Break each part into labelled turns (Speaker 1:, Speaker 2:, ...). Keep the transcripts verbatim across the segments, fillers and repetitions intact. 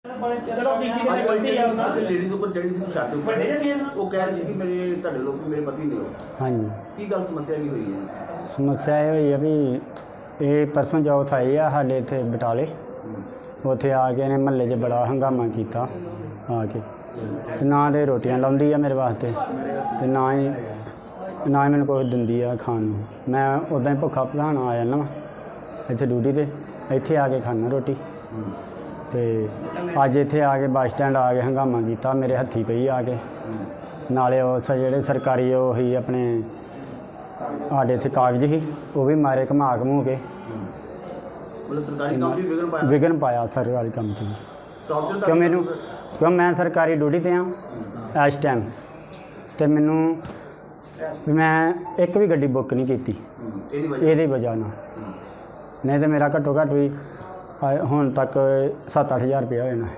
Speaker 1: चलो
Speaker 2: लेडीज उपर चढ़ी सी छत उपर वो कह रही थी कि मेरे ਤੁਹਾਡੇ ਲੋਕ ਮੇਰੇ ਪਤੀ ਨੇ
Speaker 1: हाँ जी
Speaker 2: ਕੀ ਗੱਲ ਸਮੱਸਿਆ ਕੀ ਹੋਈ ਹੈ?
Speaker 1: समस्या ये हुई है भी ये परसों चौथ आई है साढ़े इतने बटाले उत्थे आके ने महल्ले च बड़ा हंगामा किया आके ते ना तो रोटियां लाउंदी है मेरे वास्ते ते ना ही ना ही मैंने कुछ दिंदी है खाण नूं। मैं उदा ही भुखा भुलाना आ जाना इत्थे ड्यूटी ते इत्थे आके खाना रोटी ते अज इत्थे आके बस स्टैंड आके हंगामा किया मेरे हत्थी पई आके नाले उस जेह्ड़े सरकारी ओह ही अपने साढ़े इत्थे कागज ही वो भी मारे घमा घमू के
Speaker 2: मतलब सरकारी काम च विघन पाया
Speaker 1: विघन पाया सरकारी काम च भी।
Speaker 2: टॉर्चर
Speaker 1: क्यों मैनू क्यों मैं सरकारी ड्यूटी ते हाँ इस टाइम तो मैनू मैं एक भी गड्डी बुक नहीं की ये वजह ना नहीं तो मेरा घट्टो घट्ट भी हुण तक सत्त अठ हज़ार रुपया होना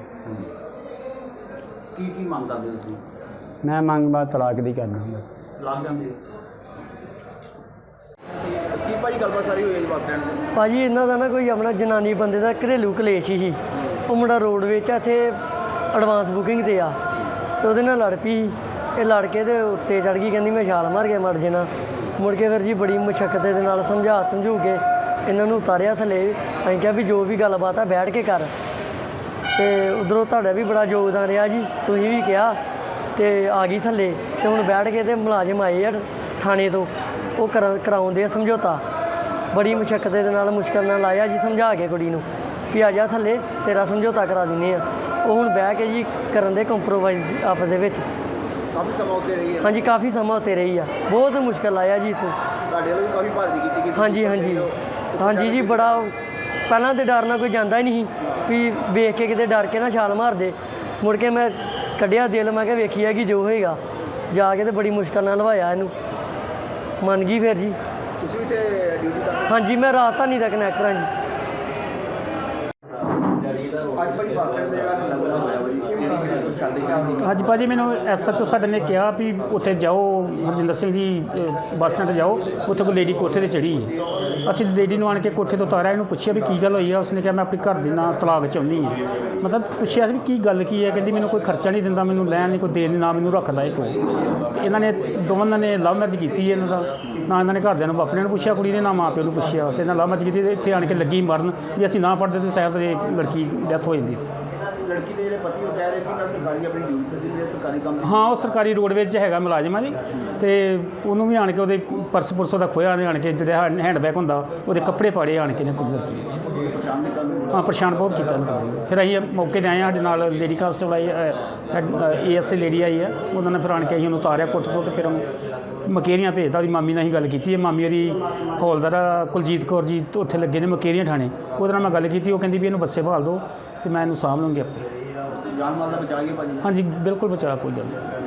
Speaker 2: की की मंग करदे तुसीं?
Speaker 1: मैं मंग बात तलाक दी करना बस
Speaker 2: तलाक ਜਾਂਦੇ ਕੀ ਭਾਈ ਗੱਲਬਾਤ ਸਾਰੀ ਹੋਈ ਹੈ ਜੀ ਬੱਸ ਸਟੈਂਡ ਤੇ?
Speaker 3: ਭਾਜੀ ਇਹਨਾਂ ਦਾ ਨਾ ਕੋਈ ਆਪਣਾ ਜਨਾਨੀ ਬੰਦੇ ਦਾ ਘਰੇਲੂ ਕਲੇਸ਼ ਹੀ ਸੀ। ਉਹ ਮੁੰਡਾ ਰੋਡ ਵਿੱਚ ਇੱਥੇ ਐਡਵਾਂਸ ਬੁਕਿੰਗ ਤੇ ਆ ਤੇ ਉਹਦੇ ਨਾਲ ਲੜ ਪਈ। ਇਹ ਲੜ ਕੇ ਤੇ ਉੱਤੇ ਚੜ ਗਈ, ਕਹਿੰਦੀ ਮੈਂ ਛਾਲ ਮਾਰ ਕੇ ਮਰ ਜਾਣਾ। ਮੁੜ ਕੇ ਫਿਰ ਜੀ ਬੜੀ ਮੁਸ਼ੱਕਤ ਦੇ ਨਾਲ ਸਮਝਾ ਸਮਝੂ ਕੇ ਇਹਨਾਂ ਨੂੰ ਉਤਾਰਿਆ ਥੱਲੇ। ਅਸੀਂ ਕਿਹਾ ਵੀ ਜੋ ਵੀ ਗੱਲਬਾਤ ਆ ਬੈਠ ਕੇ ਕਰ ਤੇ ਉਧਰੋਂ ਤੁਹਾਡਾ ਵੀ ਬੜਾ ਯੋਗਦਾਨ ਰਿਹਾ ਜੀ, ਤੁਸੀਂ ਵੀ ਕਿਹਾ ਤੇ ਆ ਗਈ ਥੱਲੇ। ਤੇ ਹੁਣ ਬੈਠ ਕੇ ਤੇ ਮੁਲਾਜ਼ਮ ਆਏ ਆ ਥਾਣੇ ਤੋਂ, ਉਹ ਕਰਾ ਕਰਾਉਂਦੇ ਆ ਸਮਝੌਤਾ। ਬੜੀ ਮੁਸ਼ੱਕਤ ਦੇ ਨਾਲ ਮੁਸ਼ਕਲ ਨਾਲ ਲਾਇਆ ਜੀ ਸਮਝਾ ਕੇ ਕੁੜੀ ਨੂੰ ਵੀ ਆ ਜਾ ਥੱਲੇ ਤੇਰਾ ਸਮਝੌਤਾ ਕਰਾ ਦਿੰਦੇ ਆ। ਉਹ ਹੁਣ ਬਹਿ ਕੇ ਜੀ ਕਰਨ ਦੇ ਕੰਪਰੋਮਾਈਜ਼ ਆਪਸ ਦੇ ਵਿੱਚ।
Speaker 2: ਕਾਫੀ ਸਮਾਂ ਉੱਤੇ ਰਹੀ ਹੈ?
Speaker 3: ਹਾਂਜੀ ਕਾਫੀ ਸਮਾਂ ਉੱਤੇ ਰਹੀ ਆ, ਬਹੁਤ ਮੁਸ਼ਕਲ ਆਇਆ ਜੀ ਤੂੰ।
Speaker 2: ਤੁਹਾਡੇ ਵੱਲੋਂ ਵੀ ਕਾਫੀ ਭਾਜੀ ਕੀਤੀ ਗਈ?
Speaker 3: ਹਾਂਜੀ ਹਾਂਜੀ ਹਾਂਜੀ ਜੀ ਬੜਾ। ਪਹਿਲਾਂ ਤਾਂ ਡਰ ਨਾਲ ਕੋਈ ਜਾਂਦਾ ਹੀ ਨਹੀਂ ਵੀ ਵੇਖ ਕੇ ਕਿਤੇ ਡਰ ਕੇ ਨਾ ਛਾਲ ਮਾਰ ਦੇ। ਮੁੜ ਕੇ ਮੈਂ ਕੱਢਿਆ ਦਿਲ, ਮੈਂ ਕਿਹਾ ਵੇਖੀ ਹੈਗੀ ਜੋ ਹੋਏਗਾ। ਜਾ ਕੇ ਤੇ ਬੜੀ ਮੁਸ਼ਕਲ ਨਾਲ ਲਵਾਇਆ ਇਹਨੂੰ, ਮੰਨ ਗਈ ਫਿਰ ਜੀ।
Speaker 2: ਤੁਸੀਂ ਵੀ ਤੇ ਡਿਊਟੀ ਕਰਦੇ?
Speaker 3: ਹਾਂਜੀ ਮੈਂ ਰਾਜਧਾਨੀ ਦਾ ਕਨੈਕਟਰ ਹਾਂ ਜੀ।
Speaker 2: ਅੱਜ ਭਾਜੀ ਬੱਸ ਸਟੈਂਡ ਤੇ ਜਿਹੜਾ ਹੱਲਾ ਗੁੱਲਾ ਹੋਇਆ ਵਾ ਜੀ, ਕਿਹੜੀ ਕਿਹੜੀ ਕੋਈ ਸ਼ਾਦੀ ਕਿਹੜੀ ਦੀ?
Speaker 4: ਅੱਜ ਭਾਜੀ ਮੈਨੂੰ ਐਸ ਐਚ ਓ ਸਾਡੇ ਨੇ ਕਿਹਾ ਵੀ ਉੱਥੇ ਜਾਓ ਹਰਜਿੰਦਰ ਸਿੰਘ ਜੀ ਅ, ਬੱਸ ਸਟੈਂਡ ਜਾਓ, ਉੱਥੇ ਕੋਈ ਲੇਡੀ ਕੋਠੇ 'ਤੇ ਚੜ੍ਹੀ ਹੈ। ਅਸੀਂ ਲੇਡੀ ਨੂੰ ਆਣ ਕੇ ਕੋਠੇ ਤੋਂ ਉਤਾਰਿਆ, ਇਹਨੂੰ ਪੁੱਛਿਆ ਵੀ ਕੀ ਗੱਲ ਹੋਈ ਆ। ਉਸਨੇ ਕਿਹਾ ਮੈਂ ਆਪਣੀ ਘਰ ਦੀ ਨਾਲ ਤਲਾਕ ਚਾਹੁੰਦੀ ਹਾਂ। ਮਤਲਬ ਪੁੱਛਿਆ ਸੀ ਵੀ ਕੀ ਗੱਲ ਕੀ ਹੈ, ਕਹਿੰਦੀ ਮੈਨੂੰ ਕੋਈ ਖਰਚਾ ਨਹੀਂ ਦਿੰਦਾ, ਮੈਨੂੰ ਲੈਣ ਨਹੀਂ ਕੋਈ ਦੇਣ ਨਹੀਂ, ਨਾ ਮੈਨੂੰ ਰੱਖਦਾ ਇਹ ਕੋਈ। ਇਹਨਾਂ ਨੇ ਦੋਵਾਂ ਨੇ ਲਵ ਮੈਰਿਜ ਕੀਤੀ ਇਹਨਾਂ ਦਾ, ਨਾ ਇਹਨਾਂ ਨੇ ਘਰਦਿਆਂ ਨੂੰ ਆਪਣੇ ਨੂੰ ਪੁੱਛਿਆ ਕੁੜੀ ਨੇ, ਨਾ ਮਾਂ ਪਿਓ ਨੂੰ ਪੁੱਛਿਆ। ਤੇ ਇਹਨਾਂ ਲਵ ਮੈਰਿਜ ਕੀਤੀ, ਇੱਥੇ ਆਣ ਕੇ ਲੱਗੀ ਮਰਨ। ਜੇ ਅਸੀਂ ਨਾ ਪੜ੍ਹਦੇ ਤਾਂ ਸ਼ਾਇਦ ਇਹ ਲੜਕੀ ਡੈਥ ਹੋ ਜਾਂਦੀ ਸੀ।
Speaker 2: ਲੜਕੀ ਦੇ ਜਿਹੜੇ ਪਤੀ ਉਹ ਕਹਿ ਰਹੇ ਕਿ ਮੈਂ ਸਰਕਾਰੀ ਆਪਣੀ ਡਿਊਟੀ ਤੇ ਸੀ, ਮੇਰੇ ਸਰਕਾਰੀ ਕੰਮ ਤੇ।
Speaker 4: ਹਾਂ ਉਹ ਸਰਕਾਰੀ ਰੋਡ ਵਿੱਚ ਹੈਗਾ ਮੁਲਾਜ਼ਮ ਆ ਜੀ, ਤੇ ਉਹਨੂੰ ਵੀ ਆਣ ਕੇ ਉਹਦੇ ਪਰਸ ਪੁਰਸ ਉਹਦਾ ਖੋਇਆ ਨੇ, ਆਣ ਕੇ ਜਿਹੜਾ ਹੈਂਡ ਬੈਗ ਹੁੰਦਾ ਉਹਦੇ ਕੱਪੜੇ ਪਾੜੇ ਆਣ ਕੇ ਨੇ ਕੁਝ ਲੜਕੀ।
Speaker 2: ਪਰੇਸ਼ਾਨ ਕੀਤਾ ਉਹਨੂੰ?
Speaker 4: ਹਾਂ ਪਰੇਸ਼ਾਨ ਬਹੁਤ ਕੀਤਾ ਉਹਨੂੰ। ਫਿਰ ਅਸੀਂ ਮੌਕੇ 'ਤੇ ਆਏ ਹਾਂ, ਸਾਡੇ ਨਾਲ ਲੇਡੀ ਕਾਂਸਟੇਬਲ ਆਈ, ਏ ਐਸ ਏ ਲੇਡੀ ਆਈ ਆ, ਉਹਨਾਂ ਨੇ ਫਿਰ ਆਣ ਕੇ ਅਸੀਂ ਉਹਨੂੰ ਉਤਾਰਿਆ ਕੁੱਟ ਤੋਂ, ਤੇ ਫਿਰ ਉਹਨੂੰ ਮਕੇਰੀਆਂ ਭੇਜਦਾ। ਉਹਦੀ ਮਾਮੀ ਨਾਲ ਅਸੀਂ ਗੱਲ ਕੀਤੀ ਹੈ, ਮਾਮੀ ਉਹਦੀ ਹੌਲਦਾਰ ਕੁਲਜੀਤ ਕੌਰ ਜੀ ਉੱਥੇ ਲੱਗੇ ਨੇ ਮਕੇਰੀਆਂ ਥਾਣੇ, ਉਹਦੇ ਨਾਲ ਮੈਂ ਗੱਲ ਕੀਤੀ। ਉਹ ਕਹਿੰਦੀ ਵੀ ਇਹਨੂੰ ਬੱਸੇ ਭਾਲ ਦਿਓ ਤੇ ਮੈਂ ਇਹਨੂੰ ਸਾਂਭ ਲੂੰਗੀ ਆਪੇ।
Speaker 2: ਜਾਨ ਮਾਲ ਦਾ ਬਚਾ ਗਿਆ ਭਾਜੀ?
Speaker 4: ਹਾਂਜੀ ਬਿਲਕੁਲ ਬਚਾ, ਕੋਈ ਗੱਲ ਨਹੀਂ।